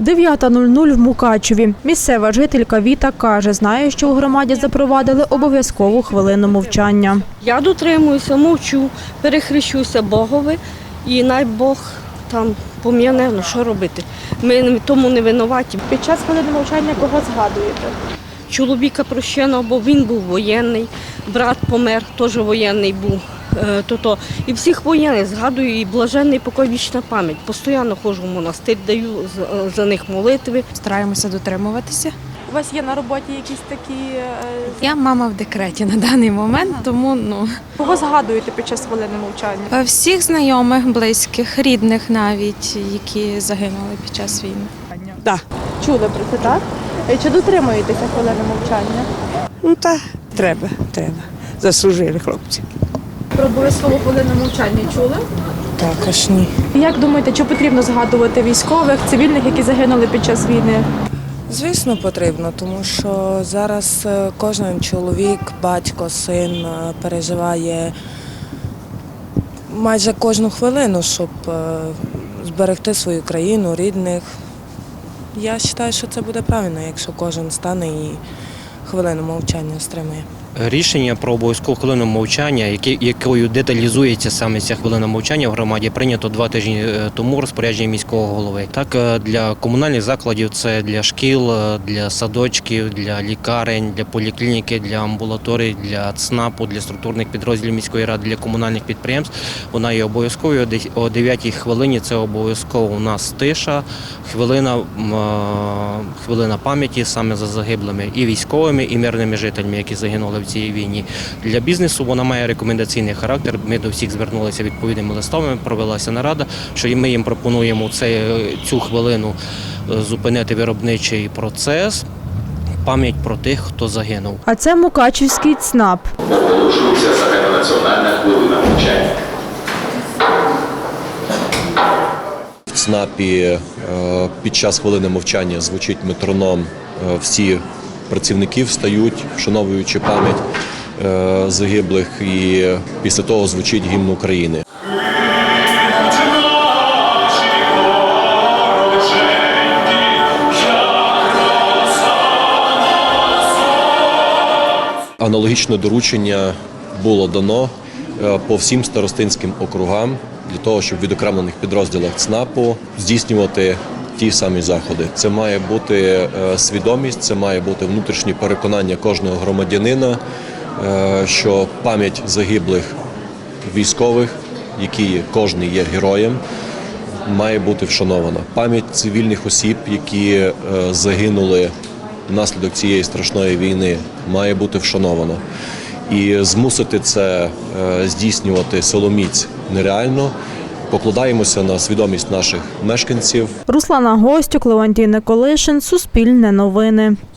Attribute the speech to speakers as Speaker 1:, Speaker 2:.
Speaker 1: 9:00 в Мукачеві. Місцева жителька Віта каже, знає, що у громаді запровадили обов'язкову хвилину мовчання.
Speaker 2: Я дотримуюся, мовчу, перехрещуся Богові і най Бог там пом'яне, ну що робити. Ми тому не винуваті.
Speaker 1: Під час хвилини мовчання кого згадуєте?
Speaker 2: Чоловіка прощеного, бо він був воєнний, брат помер, теж воєнний був. І всіх воєнних згадую, і блаженний покой, вічна пам'ять. Постійно ходжу в монастир, даю за них молитви.
Speaker 3: Стараємося дотримуватися.
Speaker 1: У вас є на роботі якісь такі…
Speaker 3: Я мама в декреті на даний момент, тому
Speaker 1: Кого згадуєте під час хвилини мовчання?
Speaker 3: всіх знайомих, близьких, рідних навіть, які загинули під час війни.
Speaker 4: Так.
Speaker 1: Чули про це, так? Чи дотримуєтеся хвилини мовчання?
Speaker 4: Ну так, треба. Заслужили хлопці.
Speaker 1: Про обов'язкову хвилину мовчання чули?
Speaker 4: Також ні.
Speaker 1: Як думаєте, чи потрібно згадувати військових, цивільних, які загинули під час війни?
Speaker 5: Звісно, потрібно, тому що зараз кожен чоловік, батько, син переживає майже кожну хвилину, щоб зберегти свою країну, рідних. Я вважаю, що це буде правильно, якщо кожен стане і хвилину мовчання стримує.
Speaker 6: Рішення про обов'язкову хвилину мовчання, якою деталізується саме ця хвилина мовчання в громаді, прийнято 2 тижні тому розпорядження міського голови. Так, для комунальних закладів це для шкіл, для садочків, для лікарень, для поліклініки, для амбулаторій, для ЦНАПу, для структурних підрозділів міської ради, для комунальних підприємств. Вона є обов'язковою. О 9-й хвилині це обов'язково у нас тиша, хвилина пам'яті саме за загиблими і військовими, і мирними жителями, які загинули в цій війні. Для бізнесу вона має рекомендаційний характер. Ми до всіх звернулися відповідними листами, провелася нарада, що ми їм пропонуємо цю хвилину зупинити виробничий процес, пам'ять про тих, хто загинув.
Speaker 1: А це Мукачівський ЦНАП.
Speaker 7: Оголошується загальнонаціональна хвилина мовчання.
Speaker 8: В ЦНАПі під час хвилини мовчання звучить метроном, всі працівники встають, вшановуючи пам'ять загиблих, і після того звучить гімн України. Аналогічне доручення було дано по всім старостинським округам для того, щоб в відокремлених підрозділах ЦНАПу здійснювати ті самі заходи. Це має бути свідомість, це має бути внутрішнє переконання кожного громадянина, що пам'ять загиблих військових, які кожен є героєм, має бути вшанована. Пам'ять цивільних осіб, які загинули внаслідок цієї страшної війни, має бути вшанована. І змусити це здійснювати силоміць нереально. Покладаємося на свідомість наших мешканців.
Speaker 1: Руслана Гостюк, Леонтій Николишин, Суспільне новини.